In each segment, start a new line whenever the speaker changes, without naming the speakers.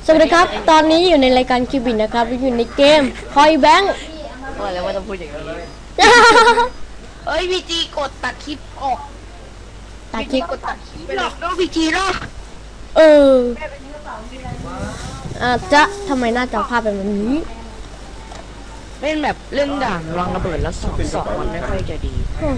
สวัสดีครับตอนนี้อยู่ในรายการคิวบินนะครับอยู่ในเกมคอยแบงค์
ว่าแล้วว่าต้องพูดอย่างนี้เอ้ยพีจีกดตัดคลิปออก
ตัดคลิป
กดตัดคลิปไปหรอกน้องพีจีเนาะ
เอออาจจะทำไมหน้าจอภาพเป็นแบบนี้
เล่นแบบเรื่องด่านวางระเบิดแล้วสองมันไม่ค่อยจะดี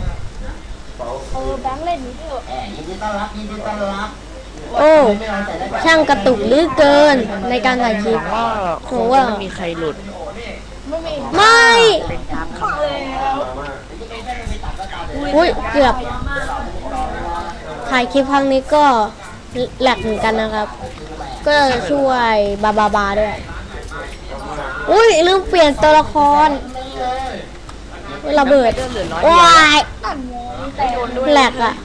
แบงค์เล่นนี้ด้วยยินดีต้อนรับยินดีต้อนรับ
โอ้ช่างกระตุกเหลือเกินในการถ่ายคลิป
ก็คงไม่มีใครหลุด
ไม่
เป็นตาม
อุ้ยเกือบถ่ายคลิปครั้งนี้ก็แหลกเหมือนกันนะครับ ก็ช่วยบาด้วยอุ้ยลืมเปลี่ยนตัวละครระเบิด
เหลือน้อย
ว้าย
ไม่โดนด้วย
แหลกอ่ะ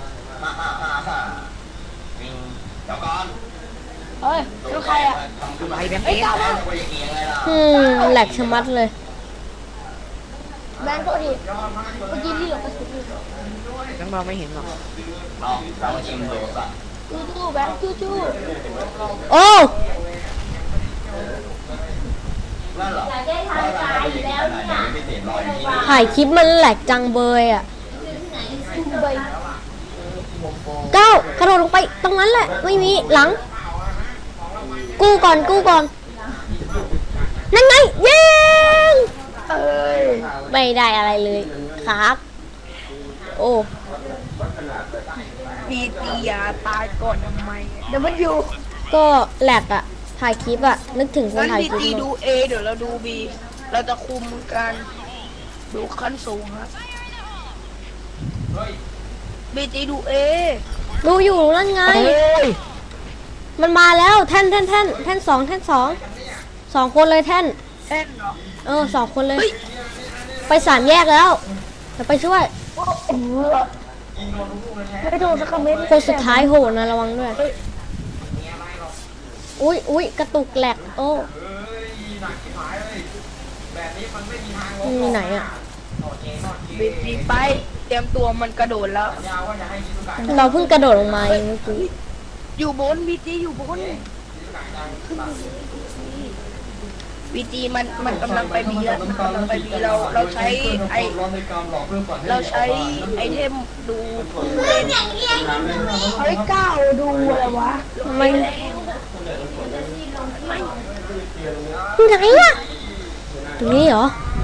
เฮ้ยลูกใครอ่ะ
ไปแบงค์เอง
แหลกชะมัดเลย
แบงค์ตัวดิเมื่อกี้ที่เหลือกระสุนอยู่
แบงค์เราไม่เห็นหรอก
จู้แบงค์จู้
โอ้ถ่ายคลิปมันแหลกจังเบยอ่ะ
จู้ใบ
ก้าวกระโดดลงไปตรงนั้นแหละไม่มีหลัง กู้ก่อนนั่นไงเย้งไม่ได้อะไรเลยครับโอ้
พีจียาตายก่อนทำไม
เดี๋ยวมันอยู่
ก็แหลกอ่ะถ่ายคลิปอ่ะนึกถึงคน
งั้น
ถ่าย
พี
คลิป
จี
เน
ดู
อะ
เอเดี๋ยวเราดูบีเราจะคุมกันดูขั้นสูงครับบีจีดูเอ
ดูอยู่นั่นไง
ย
มันมาแล้วแท่นสองสองคนเลยแท่น
แท่นเหรอ
สองคนเลย
เฮ้ย
ไปสามแยกแล้วจะไปช่วย
ไม่โดนสักเม็ด
คนสุดท้ายโหนะระวังด้วยอุ้ยกระตุกแหลกโอ้มีไหนอ่ะ
บีจีไปเตรียมตัวมันกระโดดแล้ว
เราเพิ่งกระโดดลงมาเองเมื่อกี้
อยู่บนบีจีอยู่บนบีจีมันกำลังไปบีแล้วมันกำลังไปบีเราใช้ไอเทมดูผู้เล่น
เฮ้ยก้าวดูอะไรวะ
ไม่ไหนอ่ะตรงนี้เหรอ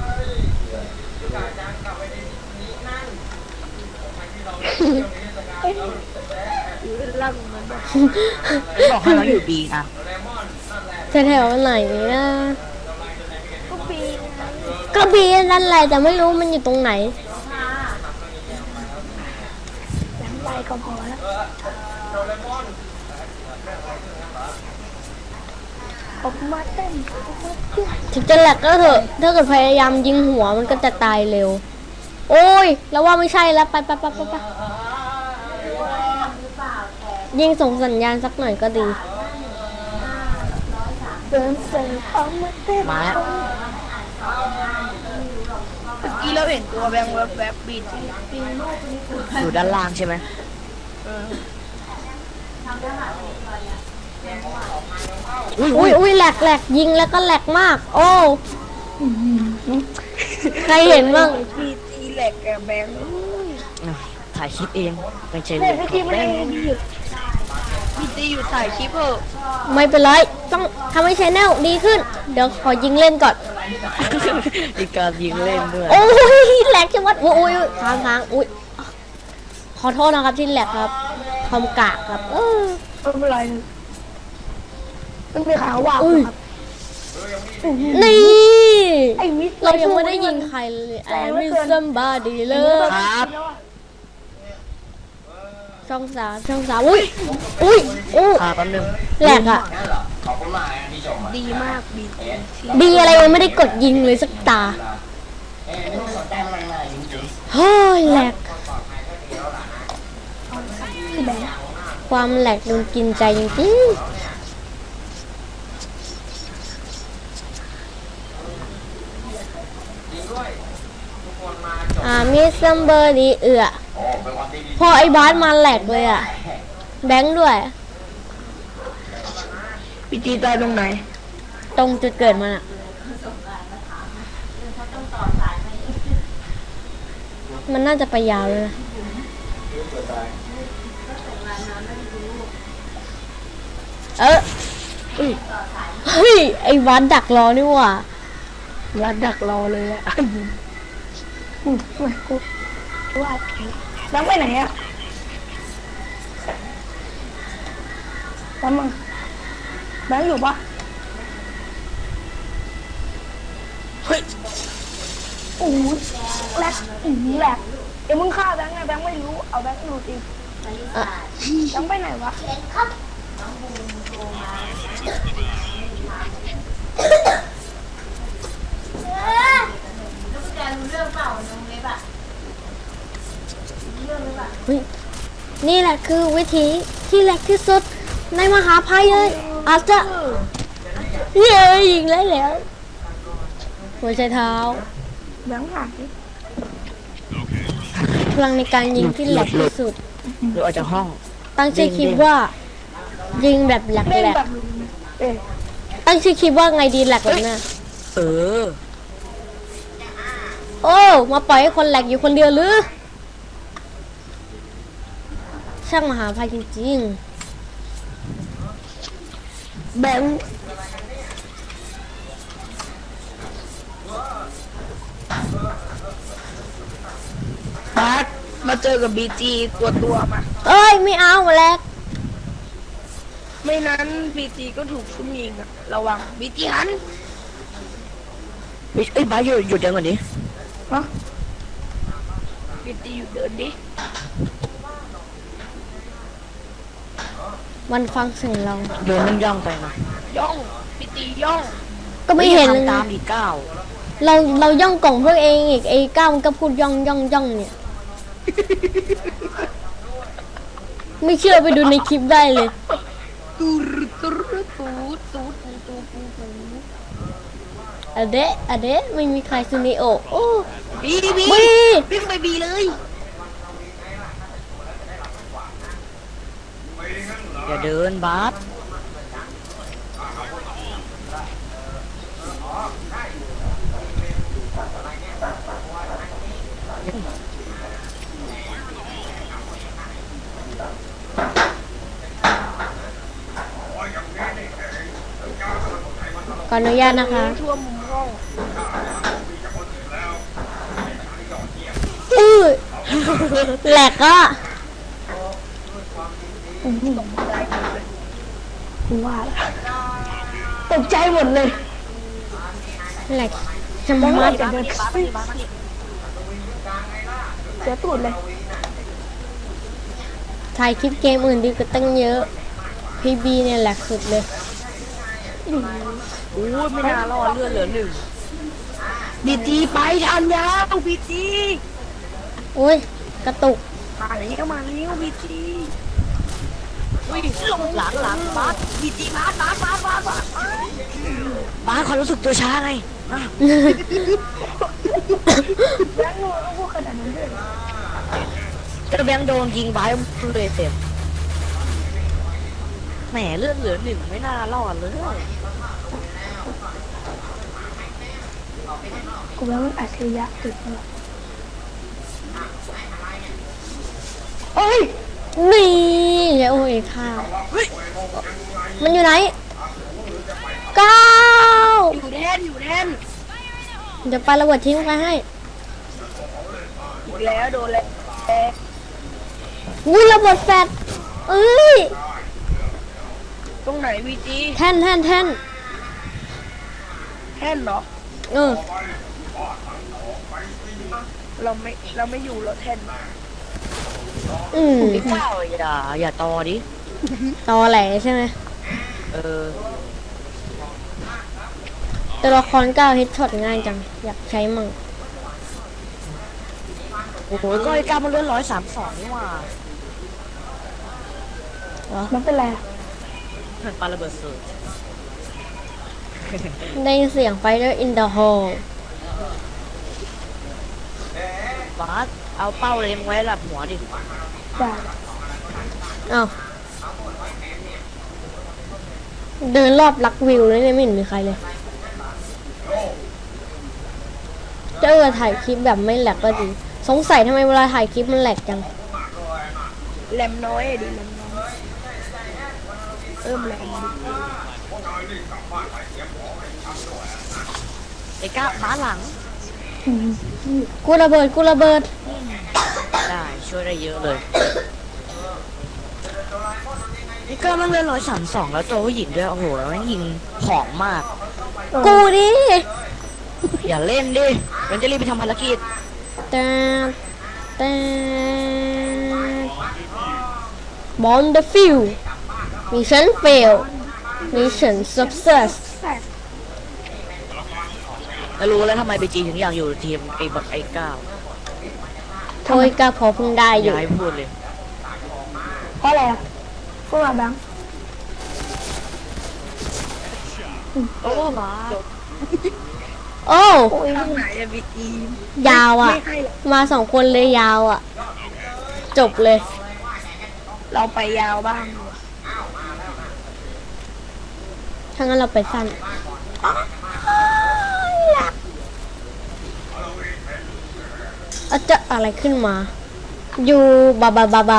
ล่างมันบอกให้เราอยู่บีนะ
แถวๆไหนนะ
ก็ปี
กระบี่นั่นแหละแต่ไม่รู้มันอยู่ตรงไหน
แบงค์ใบก็พอแล้วออกมาเต้น
ถึงจะแหลกก็เถอะถ้าเกิดพยายามยิงหัวมันก็จะตายเร็ว โอ้ยแล้วว่าไม่ใช่แล้วไปยิงส่งสัญญาณสักหน่อยก็ดี
เดินเสือออกมาเต้น
มาแล้วเมื่อกี้เราเห็นตัวแบงค์แวบบีจีอยู่ด้านล่างใช่ไหม
อุ้ยแหลกยิงแล้วก็แหลกมาก โอ้ใครเห็นบ้าง
บีจีแหลกกับแบงค์ถ่ายคลิปเองไม่ใช่
เล่นเมื่อกี้ไม่ได้ดีอยู่
บีจีอยู่ถ่ายคลิปเถอะ
ไม่เป็นไรต้องทำให้ชแนลดีขึ้น เดี๋ยวขอยิงเล่นก่อน
มีการยิงเล่นด้วย
โอ้ยแหลกจังวัดอุ้ยค้างอุ้ยขอโทษนะครับที่แหลกครับคอมกากครับ
ไม่เป็นไรมันมีขาว่า
อุ้ยนี่
ไอ้มิส
เรายังไม่ได้ยิงใครเลยแอนมิซัมบาดีเลย
ครับ
ช่องสามอุ้ยอู้
แป๊บนึง
แหลกอ่ะ
ดีมากบีจี
ดีอะไรยังไม่ได้กดยิงเลยสักตาเฮ้ยแหลกความแหลกโดนกินใจจริงมิสซัมเบอร์ดีพอไอ้บาสมาแหลกเลยอ่ะแบงค์ด้วย
พีจีตายตรงไหน
ตรงจุดเกิดมันอะมันน่าจะไปยาวเลยนะเฮ้ยไอ้วัดดักรอนี่หว่า
รัดดักรอเลยอะกูว่าแบงค์ไปไหนอะแบงค์มึงแบงค์อยู่ปะเฮ้ยโอ้ยแหลกแหลกเดี๋ยวมึงฆ่าแบงค์ไงแบงค์ไม่รู้เอาแบงค์รู้จริง
อะ
แบงค์ไปไหนวะ
เฮ้ยนี่แหละคือวิธีที่แหลกที่สุดในมหาภัยเลยอาจจะเย้ยิงแล้วหัวใจเท้า
แบงค์หาย
พลังในการยิงที่แหลกที่สุด
หรือออกจากห้อง
ตั้งชื่อคลิปว่า ยิงแบบแหลก
เล่น
แหลก
แบบเอ๊ะ
ตั้งชื่อคลิปว่าไงดีแหลกแบบเนี้ย
เออ
โอ้มาปล่อยให้คนแหลกอยู่คนเดียวหรือ ช่างมหาภัยจริง
แบงค์บาสมาเจอกับบีจีตัวมา
ๆเอ้ยไม่เอาแหลก
ไม่นั้นบีจีก็ถูกซุ่มยิงอะระวังบีจีหัน
เอ้ยบ้าสหยุดเดี๋ยวก่อนดิ
ฮะบีจีอยู่เดินดิ
มันฟังเสียงเรา
เดินมันย่องไปนะ
ย่องบีจีย่อง
ก็ไม่เห็นเลย
ทำตา
นะ
มดีก้าว
เราย่องกล่องพวกเองอีกไอ้ก้าวมันก็พูดย่องเนี่ย ไม่เชื่อไปดูในคลิปได้เลย
ตูดตูดตูดตูดตูดตูดตูดตูด
อะเดะไม่มีใครซูนิโอโอ้
บี
บี
วิ่งไปบีเลย
อย่าเดินบาส
ขออนุญาตนะคะ
ทั่วมุมห้อง
อื้อแหลกอ่ะ
กูว่าตกใจหมดเลย
แหลกจะมา
บาสบาสบาส
เสียตูดเลย
ถ่ายคลิปเกมอื่นดีกว่าตั้งเยอะ พีบีเนี่ยแหลกสุดเลย
โอ้ยไม่น่ารอดเลือดเหลือหนึ่ง
บีจีไปทันยาวบีจี
โอ้ย กระตุก
มาแล้วบีจี
อุ้ยหลังบาส
บีจีบาส
บาสความรู้สึกตัวช้าไงอ่ะ
แล้วงูต้องพูดขนาดนั้นด้วย
จะแบงค์โดนยิงบาสเลยเต็มแหมเลือดเหลือหนึ่งไม่น่ารอดเลย
กูว่ามันอัจฉริยะสุดเลยเฮ้ย
นี่โอ้ยข้าว มันอยู่ไหนก้าว
อยู่แทน
เดี๋ยวไประเบิดทิ้งไปให้
อีกแล้วโดนแล้ว
อุ้ยระเบิดแฟดเอ้ย
ตรงไหนบีจี
แท่น
แท่นเหรอ
เออ
เราไม่อยู่เราแท่น
อืม
ดีก้าวอย่าตอดิ
ตอแหลใช่ไหม
เออ
ตัวละครก้าวฮิตช็อตง่ายจัง อยากใช้มั่ง
โอ้โหก็ไอ้ก้าวมันเลือด132นี่หว่า
เหรอ
มันเป็นไร
เหมือนปาระเบิดสูตร
ได้ยินเสียง Fighter in the Hall
บาสเอาเป้าเล็งไว้หลับหัวดิ
ได้
อ้าวเดินรอบลักวิวเลยเนี่ยไม่เห็นมีใครเลยเจ้าถ่ายคลิปแบบไม่แหลกก็ดีสงสัยทำไมเวลาถ่ายคลิปมันแหลกจัง
แรมน้อยอะดิแรมน้อยเพิ่มแรมดิ
ไอ้ก้าบ้านหลัง
กูระเบิดกูระเบิด
ได้ช่วยได้เยอะเลยนี่ก็มันเล่น132แล้วตัวผู้หญิงด้วยโอ้โหแล้วมันยิงของมาก
กูดิ
อย่าเล่นดิมันจะรีบไปทำภารกิจ
แต่แต่บอลเดฟิวมิชชั่นเฟลมิชชั่นสักเซส
แล้วรู้แล้วทำไมไปจีถึงอยากอยู่ทีมไอ้บักไอ้ก้าว
โทยก็พอเพิ่งได้อยู่
ย้ายพูดเลย
เพราะอะไรอ่ะพวกเราแบงค์
โอ้มา
โอ้
โอ้ยทางไหนอะบีจี
ยาวอ่ะ
ไม่ให้หรอก
มา2 คนเลยยาวอ่ะ จบเลย
เราไปยาวบ้าง
ถ้างั้นเราไปสั้นอาจจะอะไรขึ้นมา อยู่บาบาบาบา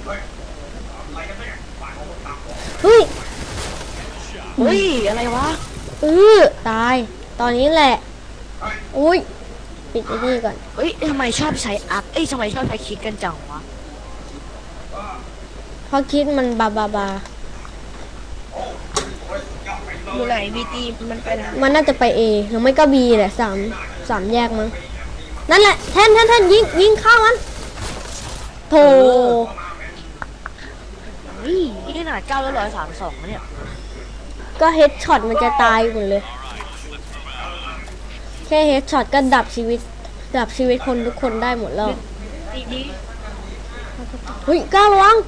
เฮ้ย
เฮ้ยอะไรวะ
ตาย ตอนนี้แหละ อุ้ย ปิดไอ้นี่ก่อน
เฮ้ยทำไมชอบใช้อัพทำไมชอบใช้คิดกันจังวะ
เพราะคิดมันบาบาบา
อยู่ไหนบีจีมันไปไหน
มันน่าจะไป A หรือไม่ก็ B แหละสามแยกมั้ง นั่นแหละแท่นยิงเข้ามันโถ
เฮ้ยนี่ขนาด9แล้ว132เนี่ย
ก็เฮดช็อตมันจะตายหมดเลย แค่เฮดช็อตก็ดับชีวิตคนทุกคนได้หมดแล้ว
ดี
เฮ้ยก้าวระวัง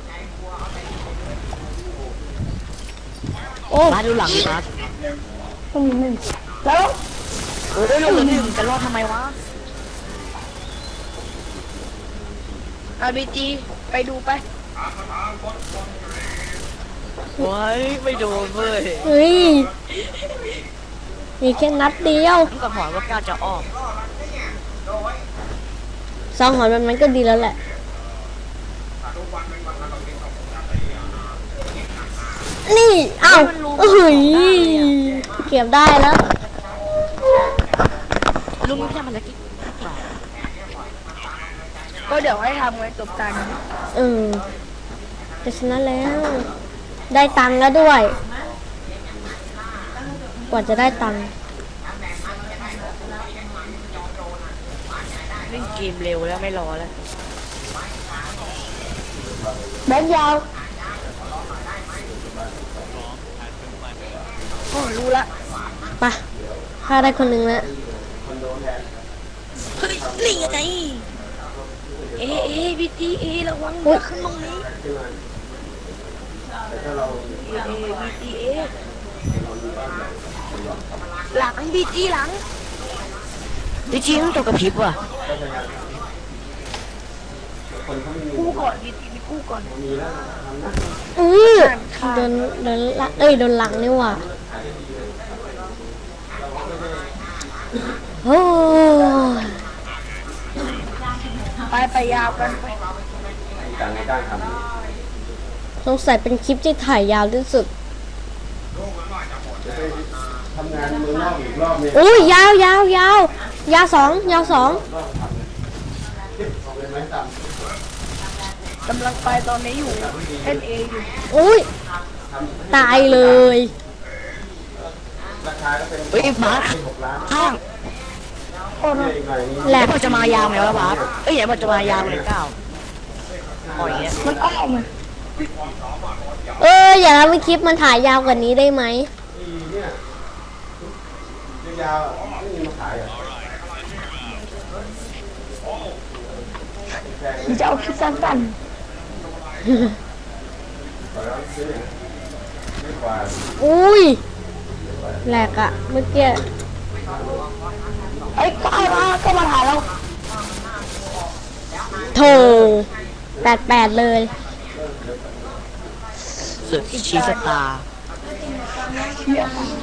โอ้
มาดูหลังดิมา
ต้องมีหนึ่งแล้ว
เออได้ลงเหลือ1จะรอดทำไมวะ
อาบีจีไปดูไป
โอ้ยไม่โดนเว้ย
เฮ้ย มีแค่นัดเดียว
ต้องกับหอนว่าก้าวจะอ้อม
สองหอนมันก็ดีแล้วแหละ นี่อ้าวเฮ้ยเก็บได้แล้ว
ลุงไม่ทำภารกิจ
ก็เดี๋ยวให้ทำไงจบกัน
จะชนะแล้ว ได้ตังค์แล้วด้วย กว่าจะได้ตังค์
เล่นเกมเร็วแล้วไม่รอแล้ว
แบงค์ยาวโอ้รู้ละ
ไปฆ่าได้คนหนึ่งแล้ว
เฮ้ยนี่ยังไงบีจีระวัง
อุ๊ย
ขึ้นตรงนี้บีจีหลังบีจีหลังบีจีต้องตัวกระพริบว่ะ
คู่ก่อนบีจีมีคู่ก่อน
อื้อโดนหลังโดนหลังนี่หว่าโอ้ย
ไปยาวกันไป
สงสัยเป็นคลิปที่ถ่ายยาวที่สุด
ทำงานเมืองนอกอีกรอบนึง
อุ้ยยาวยาวสอง
เป็นไหมต่
กำลังไปตอนนี้อยู่เล่นเออยู่
อุ้ยตายเลย
ำราคาก็เป็น
เฮ้ยบาส
6 ล้าน
ข้าง
โอ้โห
อีกหน่อยนี้
แหล
แล้
ก
วจะมายาวไหมวะบาสอย่าบอกจะมายาวเลยก้าวปล่อยอย่างเงี้ย
มันอ้อมอะ
อย่าทำให้คลิปมันถ่ายยาวกว่านี้ได้ไหม
ปีเนี่ยยาวๆไม่มีมาขายเหรอ
จะเอาคลิปสั้น
ขอแล้วซื้อไม่กว่า
อุ้ยแหลกอะเมื่อกี้
ๆไอ้ก้าวก็มาถ่ายเรา
โถ88เลย
เสือกชีสตาร์
เชี่ย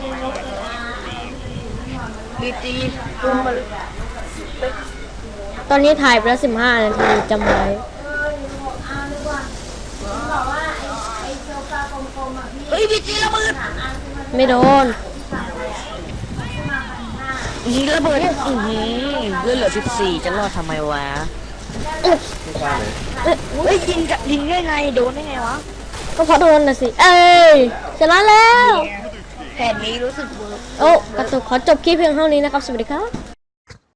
บีจี
ตอนนี้ถ่ายไปแล้ว15 นาทีจำไว้
เฮ้ยบีจีระเบิด
ไม่โดน
ยิงระเบิดเลือดเหลือ14จะรอดทำไมวะ
ไม่กล้าเลย
เฮ้ยยิงได้ไงโดนได้ไงวะ
ก็เพราะโดนนะสิ เอ้ยชนะแล้ว
แผนนี้รู้สึกเวิร์ก
โอ้กระตุกขอจบคลิปเพียงเท่านี้นะครับ สวัสดีครับ